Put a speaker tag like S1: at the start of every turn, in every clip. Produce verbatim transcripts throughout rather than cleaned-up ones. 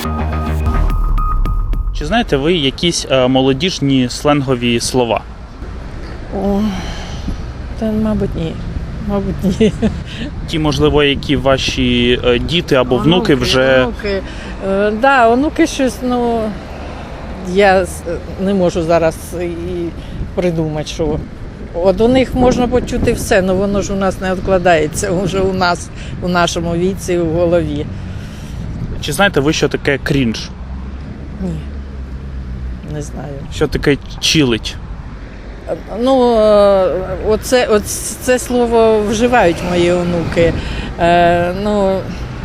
S1: Чи знаєте ви якісь е, молодіжні сленгові слова?
S2: О, та, мабуть, ні. Мабуть, ні.
S1: Ті, можливо, які ваші е, діти або внуки вже...
S2: Онуки. Е, да, онуки щось, ну, я с- не можу зараз і придумати, що. От у них можна почути все, але воно ж у нас не відкладається вже у нас, у нашому віці, в голові.
S1: Чи знаєте ви, що таке крінж?
S2: Ні, не знаю.
S1: Що таке чилить?
S2: Ну, е, оце, оце це слово вживають мої онуки. Е, ну,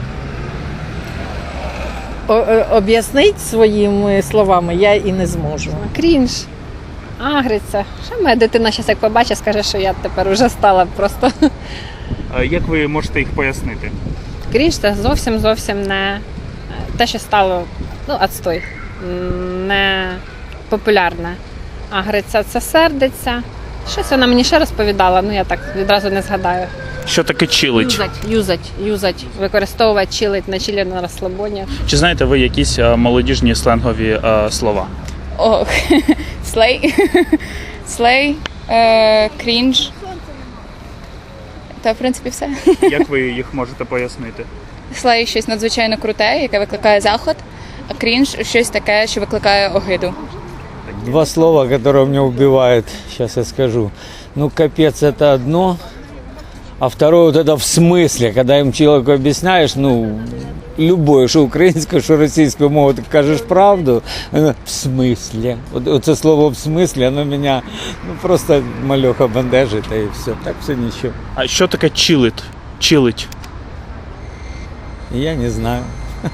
S2: о- о- об'яснити своїми словами я і не зможу.
S3: Крінж, агриться. Що моя дитина зараз як побачить, скаже, що я тепер вже стала просто.
S1: Е, Як ви можете їх пояснити?
S3: Крінж це зовсім зовсім не те, що стало, ну, отстой, м, не популярне. Агриться це сердиться. Щось вона мені ще розповідала, ну я так відразу не згадаю.
S1: Що таке чилить?
S3: Юзать, юзать, юзать, використовувати, чилить на чилі, на розслабоні.
S1: Чи знаєте ви якісь е, молодіжні сленгові е, слова?
S4: Ох, слей, слей, е, крінж. Та, в принципі, все.
S1: Як ви їх можете пояснити?
S4: Слей щось надзвичайно круте, яке викликає захват, а крінж щось таке, що викликає огиду.
S5: Два слова, которые меня убивают, сейчас я скажу. Ну, капец, это одно, а второе вот это в смысле, когда им человеку объясняешь, ну, любое, что украинское, что российское мову, ты кажешь правду, оно в смысле. Вот, вот это слово в смысле, оно меня, ну, просто малеха бандажит, и все, так все ничего.
S1: А що таке чилить? Чилить?
S5: Я не знаю.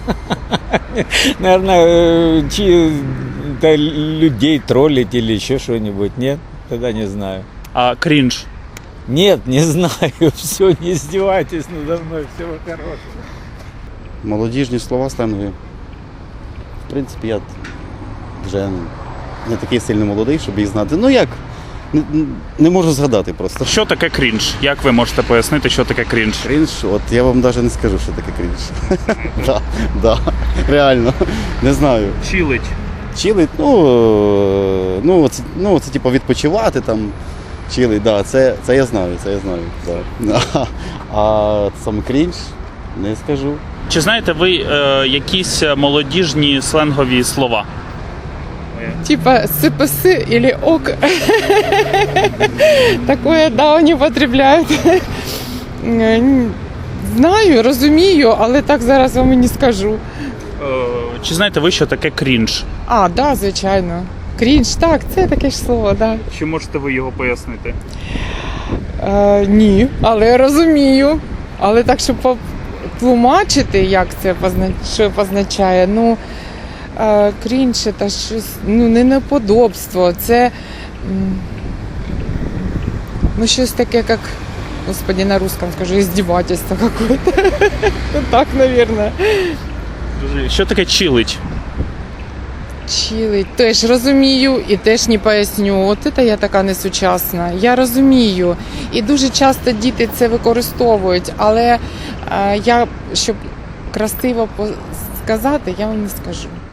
S5: Наверное, чи это людей троллить или еще что-нибудь, нет? Тогда не знаю.
S1: А крінж?
S5: Нет, не знаю, все, не издевайтесь надо мной, всего хорошего.
S6: Молодіжні слова сленгові. В принципі, я вже не такий сильно молодий, щоб їх знати. Ну як? Не, не можу згадати просто.
S1: Що таке крінж? Як ви можете пояснити, що таке крінж?
S6: Крінж, от я вам навіть не скажу, що таке крінж. Да, да, реально, не знаю.
S1: Чилить.
S6: Чилить, ну, е, ну, це, ну, це типу відпочивати там. Чилить, да, це, це я знаю, це я знаю. Да. А, а саме крінж не скажу.
S1: Чи знаєте ви е, якісь молодіжні сленгові слова?
S7: Типа СПС или ок. Такое, да, вони употребляють. Знаю, розумію, але так зараз вам і не скажу.
S1: Е, чи знаєте ви, що таке крінж?
S7: А, да, звичайно. Крінж, так, це таке ж слово, да.
S1: Чи можете ви його пояснити?
S7: Е, ні, але розумію. Але так, щоб потлумачити, як це позна... що позначає, ну, е, крінж – це щось, ну, не неподобство, це, м, ну, щось таке, як, господи, на русском скажу, издевательство какое-то. Так, наверное.
S1: Що таке чилить?
S7: Чилить. Теж розумію і теж не поясню. От це я така несучасна. Я розумію. І дуже часто діти це використовують, але е, я, щоб красиво по- сказати, я вам не скажу.